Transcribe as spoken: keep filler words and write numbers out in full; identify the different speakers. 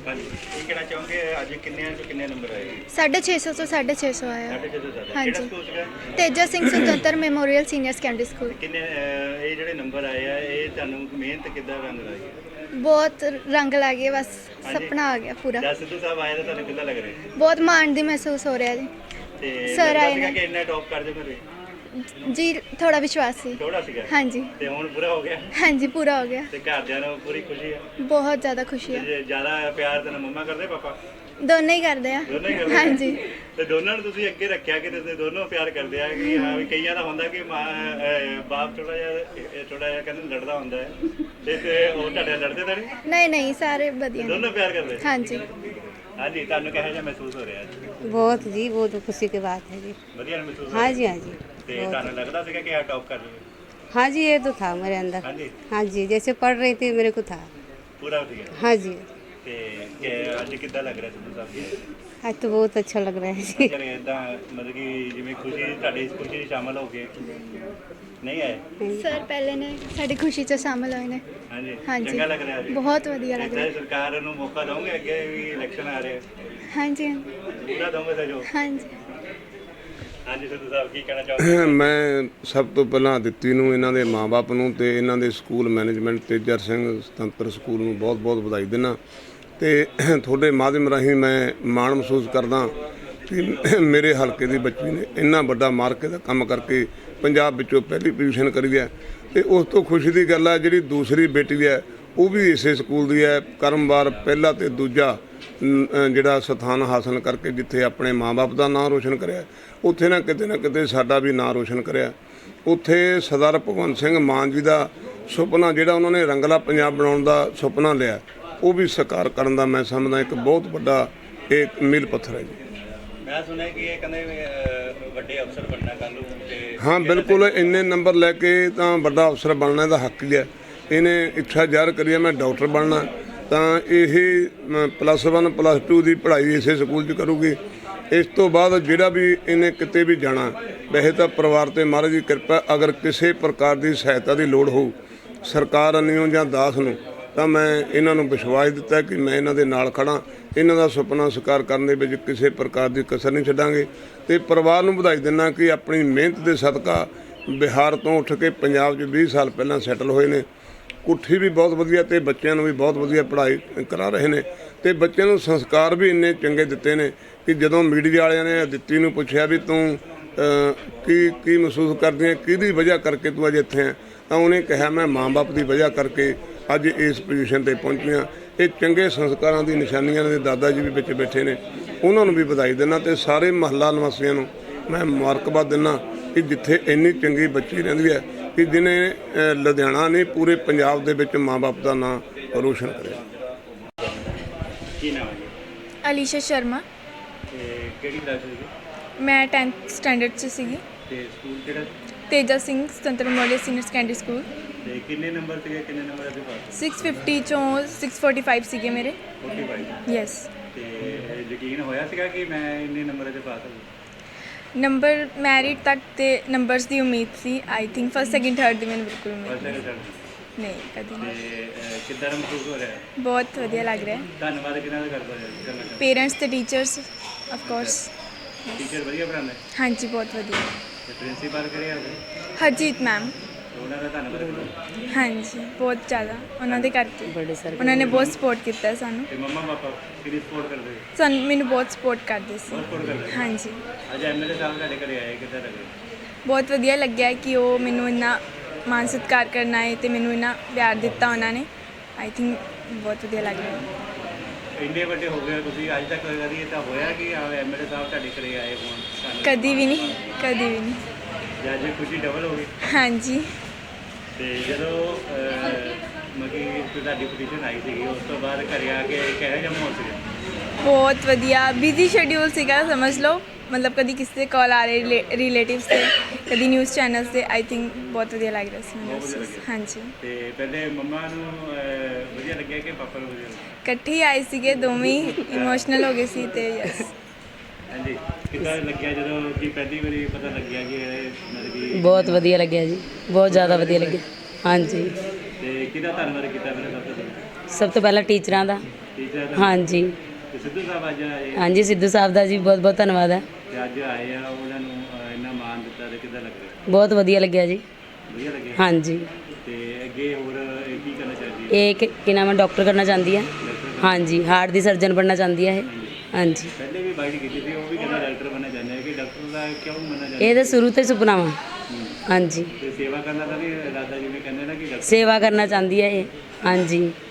Speaker 1: हाँ जी, ये कहना चाहूँगे आज किन्ने तो किन्ने नंबर आए?
Speaker 2: साढ़े छे सौ तो साढ़े छे सौ आया।
Speaker 1: साढ़े छे सौ ज़्यादा।
Speaker 2: हाँ
Speaker 1: किहड़ा
Speaker 2: जी।
Speaker 1: स्कूल सीगा?
Speaker 2: तेजा सिंह स्वतंत्र मेमोरियल सीनियर सैकेंडरी स्कूल।
Speaker 1: किन्ने ਇਹ ਜਿਹੜੇ ਨੰਬਰ ਆਏ ਆ ਇਹ ਤੁਹਾਨੂੰ ਮਿਹਨਤ ਕਿੱਦਾਂ ਰੰਗ ਲਾਈ?
Speaker 2: बहुत रंग ला गए, बस
Speaker 1: हाँ जी।
Speaker 2: सपना आ गया पूरा।
Speaker 1: ਜਦ ਸਿੱਧੂ ਸਾਹਿਬ ਆਏ ਤਾਂ ਤੁਹਾਨੂੰ ਕਿੱਦਾਂ ਲੱਗ ਰਿਹਾ?
Speaker 2: बहुत मान दी महसूस हो रहा जी।
Speaker 1: ਤੇ
Speaker 2: Sir
Speaker 1: ਲੱਗਦਾ
Speaker 2: ਆਏ
Speaker 1: ਸੀਗਾ
Speaker 2: ਨੇ।
Speaker 1: ਕਿ ਇੰਨਾ ਟੌਪ ਕਰ ਜਾਓਗੇ?
Speaker 2: जी थोड़ा विश्वास सी।
Speaker 1: ਥੋੜਾ ਸੀਗਾ।
Speaker 2: हाँ जी।
Speaker 1: ਤੇ ਹੁਣ ਪੂਰਾ ਹੋ ਗਿਆ
Speaker 2: हाँ जी पूरा हो गया।
Speaker 1: ਤੇ ਘਰਦਿਆਂ ਨੂੰ ਪੂਰੀ ਖੁਸ਼ੀ ਹੈ?
Speaker 2: बहुत ज़्यादा खुशी है।
Speaker 1: ਤੇ ਜ਼ਿਆਦਾ ਪਿਆਰ ਤੈਨੂੰ ਮੰਮਾ ਕਰਦੇ ਪਾਪਾ?
Speaker 2: दोनों ही करते हैं।
Speaker 1: ਦੋਨੋਂ ਹੀ ਕਰਦੇ
Speaker 2: हाँ
Speaker 1: ਆ?
Speaker 2: ਜੀ।
Speaker 1: ਤੇ ਦੋਨਾਂ ਨੂੰ ਤੁਸੀਂ ਅੱਗੇ ਰੱਖਿਆ ਕਿ ਤੁਸੀਂ ਦੋਨੋਂ ਪਿਆਰ ਕਰਦੇ ਆ ਕਿ ਹਾਂ ਵੀ ਕਈਆਂ ਦਾ ਹੁੰਦਾ ਕਿ ਮਾਂ ਅਹ, ਬਾਪ ਥੋੜਾ ਜਿਹਾ ਥੋੜਾ ਜਿਹਾ ਕਹਿੰਦੇ ਲੜਦਾ ਹੁੰਦਾ ਹੈ ਤੇ ਤੇ ਉਹ ਤੁਹਾਡੇ ਨਾਲ ਲੜਦੇ ਤਾਂ ਨਹੀਂ?
Speaker 2: नहीं नहीं सारे बढ़िया ने।
Speaker 1: ਦੋਨੋਂ ਪਿਆਰ ਕਰਦੇ?
Speaker 2: हाँ जी।
Speaker 1: ਹਾਂਜੀ, ਤੁਹਾਨੂੰ ਕਿਹੋ ਜਿਹਾ ਮਹਿਸੂਸ ਹੋ ਰਿਹਾ ਅੱਜ?
Speaker 3: बहुत जी, बहुत खुशी की बात है जी।
Speaker 1: ਵਧੀਆ ਮਹਿਸੂਸ ਹੋ
Speaker 3: हाँ
Speaker 1: ਰਿਹਾ?
Speaker 3: जी, हाँ जी।
Speaker 1: ਤੇ
Speaker 3: बहुत।
Speaker 1: ਤੁਹਾਨੂੰ ਲੱਗਦਾ ਸੀਗਾ ਕਿ ਆ ਟੌਪ ਕਰ ਲਵੇ?
Speaker 3: हाँ जी, ये तो था मेरे अंदर।
Speaker 1: ਹਾਂਜੀ,
Speaker 3: हाँ जी, जैसे पढ़ रही थी मेरे को था।
Speaker 1: ਪੂਰਾ ਹੋ ਗਿਆ।
Speaker 3: हाँ जी,
Speaker 1: ਤੇ ਕਿ ਅੱਜ ਕਿੱਦਾਂ ਲੱਗ ਰਿਹਾ ਸਿੱਧੂ ਸਾਹਿਬ ਜੀ?
Speaker 3: आज तो बहुत अच्छा लग रहा है जी।
Speaker 1: ਜਿਹੜੇ ਇਦਾਂ ਮਤਲਬ ਕਿ ਜਿਵੇਂ ਖੁਸ਼ੀ ਤੁਹਾਡੀ ਇਸ ਖੁਸ਼ੀ 'ਚ ਸ਼ਾਮਲ ਹੋ ਕੇ ਨਹੀਂ ਆਏ?
Speaker 2: सर पहले ने साड़ी खुशी च शामिल होए ने।
Speaker 1: ਹਾਂਜੀ,
Speaker 2: हाँ जी।
Speaker 1: ਚੰਗਾ ਲੱਗ ਰਿਹਾ ਜੀ?
Speaker 2: बहुत वधिया लग
Speaker 1: ਇੱਦਾਂ
Speaker 2: रहा
Speaker 1: ਹੀ ਸਰਕਾਰ ਨੂੰ ਮੌਕਾ ਦਵਾਂਗੇ, ਅੱਗੇ ਵੀ ਇਲੈਕਸ਼ਨ ਆ ਰਹੇ
Speaker 2: है। हाँ जी।
Speaker 1: ਪੂਰਾ ਦਵਾਂਗੇ ਸਹਿਯੋਗ।
Speaker 2: हाँ जी।
Speaker 1: ਹਾਂਜੀ ਸਿੱਧੂ ਸਾਹਿਬ ਕੀ ਕਹਿਣਾ ਚਾਹੋਗੇ?
Speaker 4: ਮੈਂ ਸਭ ਤੋਂ ਪਹਿਲਾਂ ਦਿੱਤੀ ਨੂੰ, ਇਹਨਾਂ ਦੇ ਮਾਪੇ ਨੂੰ ਤੇ ਇਹਨਾਂ ਦੇ ਸਕੂਲ ਮੈਨੇਜਮੈਂਟ ਤੇਜਰ ਸਿੰਘ ਸੁਤੰਤਰ ਸਕੂਲ ਨੂੰ ਬਹੁਤ-ਬਹੁਤ ਵਧਾਈ ਦਿੰਦਾ ਤੇ ਤੁਹਾਡੇ ਮਾਧਿਅਮ ਰਾਹੀਂ ਮੈਂ ਮਾਣ ਮਹਿਸੂਸ ਕਰਦਾ ਕਿ ਮੇਰੇ ਹਲਕੇ ਦੀ ਬੱਚੀ ਨੇ ਇੰਨਾ ਵੱਡਾ ਮਾਰਕੇ ਦਾ ਕੰਮ ਕਰਕੇ ਪੰਜਾਬ ਵਿੱਚੋਂ ਪਹਿਲੀ ਪੋਜੀਸ਼ਨ ਕਰੀ ਹੈ ਤੇ ਉਸ ਤੋਂ ਖੁਸ਼ੀ ਦੀ ਗੱਲ ਹੈ ਜਿਹੜੀ ਦੂਸਰੀ ਬੇਟੀ ਹੈ ਉਹ ਵੀ ਇਸੇ ਸਕੂਲ ਦੀ ਹੈ, ਕਰਮਵਾਰ ਪਹਿਲਾ ਤੇ ਦੂਜਾ ਨ- ਅ ਜਿਹੜਾ ਸਥਾਨ ਹਾਸਲ ਕਰਕੇ ਜਿੱਥੇ ਆਪਣੇ ਮਾਂ-ਬਾਪ ਦਾ ਨਾਂ ਰੋਸ਼ਨ ਕਰਿਆ ਉੱਥੇ ਨਾ ਕਿਤੇ ਨਾ ਕਿਤੇ ਸਾਡਾ ਵੀ ਨਾਂ ਰੋਸ਼ਨ ਕਰਿਆ। ਉੱਥੇ ਸਰਦਾਰ ਭਗਵੰਤ ਸਿੰਘ ਮਾਨ ਜੀ ਦਾ ਸੁਪਨਾ ਜਿਹੜਾ ਉਹਨਾਂ ਨੇ ਰੰਗਲਾ ਪੰਜਾਬ ਬਣਾਉਣ ਦਾ ਸੁਪਨਾ ਲਿਆ ਉਹ ਵੀ ਸਾਕਾਰ ਕਰਨ ਦਾ ਮੈਂ ਸਮਝਦਾ ਇੱਕ ਬਹੁਤ ਵੱਡਾ ਇਹ ਮੀਲ ਪੱਥਰ ਹੈ ਜੀ।
Speaker 1: ਮੈਂ ਸੁਣਿਆ ਕਿ ਇਹ ਕਹਿੰਦੇ ਵੀ, ਅਹ, ਵੱਡੇ ਅਫਸਰ ਬਣਨਾ ਕੱਲ੍ਹ ਨੂੰ ਤੇ
Speaker 4: ਹਾਂ ਬਿਲਕੁਲ, ਇੰਨੇ ਨੰਬਰ ਲੈ ਕੇ ਤਾਂ ਵੱਡਾ ਅਫਸਰ ਬਣਨਾ ਇਹਦਾ ਹੱਕ ਹੀ ਹੈ। ਇਹਨੇ ਇੱਛਾ ਜ਼ਾਹਰ ਕਰੀ ਹੈ ਮੈਂ ਡਾਕਟਰ ਬਣਨਾ, ਤਾਂ ਇਹ ਪਲੱਸ ਵਨ ਪਲੱਸ ਟੂ ਦੀ ਪੜ੍ਹਾਈ ਇਸੇ ਸਕੂਲ 'ਚ ਕਰੂਗੀ। ਇਸ ਤੋਂ ਬਾਅਦ ਜਿਹੜਾ ਵੀ ਇਹਨੇ ਕਿਤੇ ਵੀ ਜਾਣਾ, ਵੈਸੇ ਤਾਂ ਪਰਿਵਾਰ ਤੇ ਮਹਾਰਾਜ ਦੀ ਕਿਰਪਾ, ਅਗਰ ਕਿਸੇ ਪ੍ਰਕਾਰ ਦੀ ਸਹਾਇਤਾ ਦੀ ਲੋੜ ਹੋਊ ਸਰਕਾਰ ਅੰਨਿਓ ਜਾਂ ਦਾਸ ਨੂੰ, ਤਾਂ ਮੈਂ ਇਹਨਾਂ ਨੂੰ ਵਿਸ਼ਵਾਸ ਦਿੱਤਾ ਕਿ ਮੈਂ ਇਹਨਾਂ ਦੇ ਨਾਲ ਖੜਾਂ, ਇਹਨਾਂ ਦਾ ਸੁਪਨਾ ਸਾਕਾਰ ਕਰਨ ਦੇ ਵਿੱਚ ਕਿਸੇ ਪ੍ਰਕਾਰ ਦੀ ਕਸਰ ਨਹੀਂ ਛੱਡਾਂਗੇ। ਤੇ ਪਰਿਵਾਰ ਨੂੰ ਵਧਾਈ ਦਿੰਦਾ ਕਿ ਆਪਣੀ ਮਿਹਨਤ ਦੇ ਸਦਕਾ ਬਿਹਾਰ ਤੋਂ ਉੱਠ ਕੇ ਪੰਜਾਬ 'ਚ ਵੀਹ ਸਾਲ ਪਹਿਲਾਂ ਸੈਟਲ ਹੋਏ ਨੇ। ਕੁੱਠੀ ਵੀ ਬਹੁਤ ਵਧੀਆ ਤੇ ਬੱਚਿਆਂ ਨੂੰ ਵੀ ਬਹੁਤ ਵਧੀਆ ਪੜ੍ਹਾਈ ਕਰਾ ਰਹੇ ਨੇ ਤੇ ਬੱਚਿਆਂ ਨੂੰ ਸੰਸਕਾਰ ਵੀ ਇੰਨੇ ਚੰਗੇ ਦਿੱਤੇ ਨੇ ਕਿ ਜਦੋਂ ਮੀਡੀਆ ਵਾਲਿਆਂ ਨੇ ਦਿੱਤੀ ਨੂੰ ਪੁੱਛਿਆ ਵੀ ਤੂੰ ਅਹ, ਕੀ ਕੀ ਮਹਿਸੂਸ ਕਰਦੀ ਹੈ, ਕਿਹਦੀ ਵਜ੍ਹਾ ਕਰਕੇ ਤੂੰ ਅੱਜ ਇੱਥੇ ਹੈ, ਤਾਂ ਉਹਨੇ ਕਿਹਾ ਮੈਂ ਮਾਂ-ਬਾਪ ਦੀ ਵਜ੍ਹਾ ਕਰਕੇ ਅੱਜ ਇਸ ਪੋਜੀਸ਼ਨ ਤੇ ਪਹੁੰਚੀਆਂ। ਇਹ ਚੰਗੇ ਸੰਸਕਾਰਾਂ ਦੀ ਨਿਸ਼ਾਨੀਆਂ ਨੇ। ਦਾਦਾ ਜੀ ਵੀ ਵਿੱਚ ਬੈਠੇ ਨੇ, ਉਹਨਾਂ ਨੂੰ ਵੀ ਵਧਾਈ ਦਿੰਦਾ ਤੇ ਸਾਰੇ ਮਹੱਲਾ ਨਿਵਾਸੀਆਂ ਨੂੰ ਮੈਂ ਮੁਬਾਰਕਬਾਦ ਦਿੰਦਾ ਕਿ ਜਿੱਥੇ ਇੰਨੀ ਚੰਗੀ ਬੱਚੀ ਰਹਿੰਦੀ ਹੈ ਕਿ ਜਿਹਨੇ ਅਹ, ਲੁਧਿਆਣਾ ਨੇ ਪੂਰੇ ਪੰਜਾਬ ਦੇ ਵਿੱਚ ਮਾਂ-ਬਾਪ ਦਾ ਨਾਂ ਰੋਸ਼ਨ ਕਰਿਆ।
Speaker 1: ਕੀ ਨਾਮ ਹੈ ਜੀ?
Speaker 5: ਅਲੀਸ਼ਾ ਸ਼ਰਮਾ।
Speaker 1: ਤੇ ਕਿਹੜੀ ਕਲਾਸ ਸੀਗੀ?
Speaker 5: ਮੈਂ ਟੈਂਥ ਸਟੈਂਡਰਡ 'ਚ ਸੀਗੀ।
Speaker 1: ਤੇ ਸਕੂਲ ਕਿਹੜਾ?
Speaker 5: ਤੇਜਾ ਸਿੰਘ ਸੁਤੰਤਰ ਮੈਮੋਰੀਅਲ ਸੀਨੀਅਰ ਸੈਕੰਡਰੀ ਸਕੂਲ।
Speaker 1: ਤੇ ਕਿੰਨੇ ਨੰਬਰ ਸੀਗੇ, ਕਿੰਨੇ ਨੰਬਰ ਦੇ ਪਾਸ?
Speaker 5: ਛੇ ਸੌ ਪਚਾਸ ਚੋਂ ਛੇ ਸੌ ਪੈਂਤਾਲੀ ਸੀਗੇ ਮੇਰੇ।
Speaker 1: ਪੈਂਤਾਲੀ।
Speaker 5: ਯੈਸ।
Speaker 1: ਤੇ ਯਕੀਨ ਹੋਇਆ ਸੀਗਾ ਕਿ ਮੈਂ ਇੰਨੇ ਨੰਬਰ ਦੇ ਪਾਸ ਹਾਂ?
Speaker 5: ਨੰਬਰ ਮੈਰਿਟ ਤੱਕ ਤੇ ਨੰਬਰਸ ਦੀ ਉਮੀਦ ਸੀ। I think first second third ਦੀ ਮੈਨੂੰ ਬਿਲਕੁਲ ਉਮੀਦ
Speaker 1: ਫਸਟ
Speaker 5: ਨਹੀਂ।
Speaker 1: ਸੈਕਿੰਡ
Speaker 5: ਨਹੀਂ ਕਦੀ
Speaker 1: ਤੇ
Speaker 5: ਨਹੀਂ।
Speaker 1: ਅਹ, ਕਿੱਦਾਂ ਦਾ ਮਹਿਸੂਸ ਹੋ ਰਿਹਾ?
Speaker 5: ਬਹੁਤ ਵਧੀਆ ਲੱਗ ਰਿਹਾ ਹੈ।
Speaker 1: ਧੰਨਵਾਦ ਕਿਹਨਾਂ ਦਾ ਕਰਦਾ ਕਰਨਾ ਚਾਹੁੰਦਾ?
Speaker 5: ਪੇਰੈਂਟਸ ਤੇ ਟੀਚਰਸ ਆਫ ਕੋਰਸ।
Speaker 1: ਟੀਚਰ ਵਧੀਆ ਪੜ੍ਹਾਉਂਦੇ?
Speaker 5: ਹਾਂਜੀ ਬਹੁਤ ਵਧੀਆ।
Speaker 1: ਤੇ ਪ੍ਰਿੰਸੀਪਲ ਕਰਿਆ
Speaker 5: ਹਰਜੀਤ ਮੈਮ।
Speaker 1: ਉਹਨਾਂ ਦਾ ਧੰਨਵਾਦ ਕਰੋ।
Speaker 5: ਹਾਂਜੀ ਬਹੁਤ ਜ਼ਿਆਦਾ ਉਹਨਾਂ ਦੇ ਕਰਕੇ ਉਹਨਾਂ ਨੇ ਬਹੁਤ ਸਪੋਰਟ ਕੀਤਾ ਸਾਨੂੰ।
Speaker 1: ਤੇ ਮੰਮਾ ਪਾਪਾ ਕਿਹਦੀ ਸਪੋਰਟ ਕਰਦੇ?
Speaker 5: ਸਾਨੂੰ ਮੈਨੂੰ ਬਹੁਤ ਸਪੋਰਟ ਕਰਦੇ ਸੀ।
Speaker 1: ਬਹੁਤ ਸਪੋਰਟ ਕਰਦੇ?
Speaker 5: ਹਾਂਜੀ
Speaker 1: ਅੱਜ ਐਮਐਲਏ ਸਾਹਿਬ ਤੁਹਾਡੇ ਘਰੇ ਆਏ, ਕਿੱਦਾਂ ਲੱਗੇ?
Speaker 5: ਬਹੁਤ ਵਧੀਆ ਲੱਗਿਆ ਕਿ ਉਹ ਮੈਨੂੰ ਇੰਨਾ ਮਾਣ ਸਤਿਕਾਰ ਕਰਨ ਆਏ ਤੇ ਮੈਨੂੰ ਇੰਨਾ ਪਿਆਰ ਦਿੱਤਾ ਉਹਨਾਂ ਨੇ। ਆਈ ਥਿੰਕ ਬਹੁਤ ਵਧੀਆ ਲੱਗ ਰਿਹਾ।
Speaker 1: ਇੰਨੇ ਵੱਡੇ ਹੋ ਗਏ ਤੁਸੀਂ, ਅੱਜ ਤੱਕ ਕਦੀ ਤਾਂ ਹੋਇਆ ਕਿ ਐਮਐਲਏ ਸਾਹਿਬ ਤੁਹਾਡੇ ਘਰੇ ਆਏ ਹੋਣ ਸਾਨੂੰ?
Speaker 5: ਕਦੀ ਵੀ ਨਹੀਂ, ਕਦੀ ਵੀ ਨਹੀਂ।
Speaker 1: ਜਾਂ ਅੱਜ ਖੁਸ਼ੀ ਡਬਲ ਹੋ ਗਈ।
Speaker 5: ਹਾਂਜੀ
Speaker 1: ਤੇ ਜਦੋਂ ਮਤਲਬ ਕਿ ਤੁਹਾਡੀ ਪਟੀਸ਼ਨ ਆਈ ਸੀਗੀ ਉਸ ਤੋਂ ਬਾਅਦ ਘਰੇ ਆ ਕੇ ਕਿਹੋ ਜਿਹਾ ਮਾਹੌਲ ਸੀਗਾ?
Speaker 5: ਬਹੁਤ ਵਧੀਆ। ਬਿਜ਼ੀ ਸ਼ੈਡਿਊਲ ਸੀਗਾ ਸਮਝ ਲਓ, ਮਤਲਬ ਕਦੀ ਕਿਸੇ ਦੇ ਕਾਲ ਆ ਰਹੇ ਰਿਲੇਟਿਵਸ ਤੇ, ਕਦੀ ਨਿਊਜ਼ ਚੈਨਲਸ ਤੇ। ਆਈ ਥਿੰਕ ਬਹੁਤ ਵਧੀਆ ਲੱਗ ਰਿਹਾ ਸੀ ਮੈਨੂੰ ਉਸ ਚੀਜ਼। ਹਾਂਜੀ।
Speaker 1: ਤੇ ਪਹਿਲੇ ਮੰਮਾ ਨੂੰ ਅਹ, ਵਧੀਆ ਲੱਗਿਆ ਕਿ ਪਾਪਾ ਨੂੰ ਵਧੀਆ ਲੱਗਿਆ?
Speaker 5: ਇਕੱਠੇ ਹੀ ਆਏ ਸੀਗੇ ਦੋਵੇਂ, ਇਮੋਸ਼ਨਲ ਹੋ ਗਏ ਸੀ ਤੇ ਯਸ।
Speaker 1: ਹਾਂਜੀ, ਕਿੱਦਾਂ ਲੱਗਿਆ ਜਦੋਂ ਕਿ ਪਹਿਲੀ ਵਾਰੀ ਪਤਾ ਲੱਗਿਆ ਕਿ ਇਹ ਮਤਲਬ ਕਿ
Speaker 6: ਬਹੁਤ ਵਧੀਆ ਲੱਗਿਆ ਜੀ, ਬਹੁਤ ਜ਼ਿਆਦਾ ਵਧੀਆ ਲੱਗਿਆ। ਹਾਂਜੀ,
Speaker 1: ਤੇ ਕਿਹਦਾ ਧੰਨਵਾਦ ਕੀਤਾ ਮੇਰੇ ਸਭ ਤੋਂ ਪਹਿਲਾਂ?
Speaker 6: ਸਭ ਤੋਂ ਪਹਿਲਾਂ ਟੀਚਰਾਂ ਦਾ,
Speaker 1: ਟੀਚਰ
Speaker 3: हाँ जी
Speaker 1: ਤੇ ਸਿੱਧੂ ਸਾਹਿਬ ਅੱਜ ਆਏ
Speaker 3: हाँ जी सिद्धू साहब ਦਾ ਜੀ ਬਹੁਤ ਬਹੁਤ ਧੰਨਵਾਦ ਹੈ
Speaker 1: ਤੇ ਅੱਜ ਆਏ ਆ ਉਹਨਾਂ ਨੂੰ ਅਹ, ਇੰਨਾ ਮਾਣ ਦਿੱਤਾ ਤੇ ਕਿੱਦਾਂ ਲੱਗ ਰਿਹਾ
Speaker 3: ਬਹੁਤ ਵਧੀਆ ਲੱਗਿਆ ਜੀ
Speaker 1: ਵਧੀਆ ਲੱਗਿਆ
Speaker 3: हाँ जी
Speaker 1: ਤੇ ਅੱਗੇ ਹੋਰ ਇਹ ਕੀ ਕਰਨਾ ਚਾਹੀਦੀ ਹੈ
Speaker 3: ਇਹ ਕਿ ਕਿ ਨਾਮ ਹੈ ਡਾਕਟਰ ਕਰਨਾ ਚਾਹੁੰਦੀ ਹੈ हाँ जी ਹਾਰਟ ਦੀ ਸਰਜਨ ਬਣਨਾ ਚਾਹੁੰਦੀ ਹੈ ਇਹ हाँ जी
Speaker 1: ਪਹਿਲੇ ਵੀ ਬਾਈਟ ਕੀਤੀ ਸੀ ਉਹ ਵੀ ਕਹਿੰਦਾ ਡਾਕਟਰ ਬਣਨਾ ਚਾਹੁੰਦੇ ਆ ਕਿ ਡਾਕਟਰ ਦਾ ਕਿਉਂ ਬਣਨਾ ਚਾਹੁੰਦੇ
Speaker 3: ਇਹ ਤਾਂ ਸ਼ੁਰੂ ਤੋਂ ਹੀ ਸੁਪਨਾ ਵਾ हाँ जी
Speaker 1: ਤੇ ਸੇਵਾ ਕਰਨਾ ਤਾਂ ਨਹੀਂ ਦਾਦਾ ਜੀ ਨੇ ਕਹਿੰਦੇ ਨਾ ਕਿ ਡਾਕਟਰ
Speaker 3: ਸੇਵਾ ਕਰਨਾ ਚਾਹੁੰਦੀ ਹੈ ਇਹ हाँ जी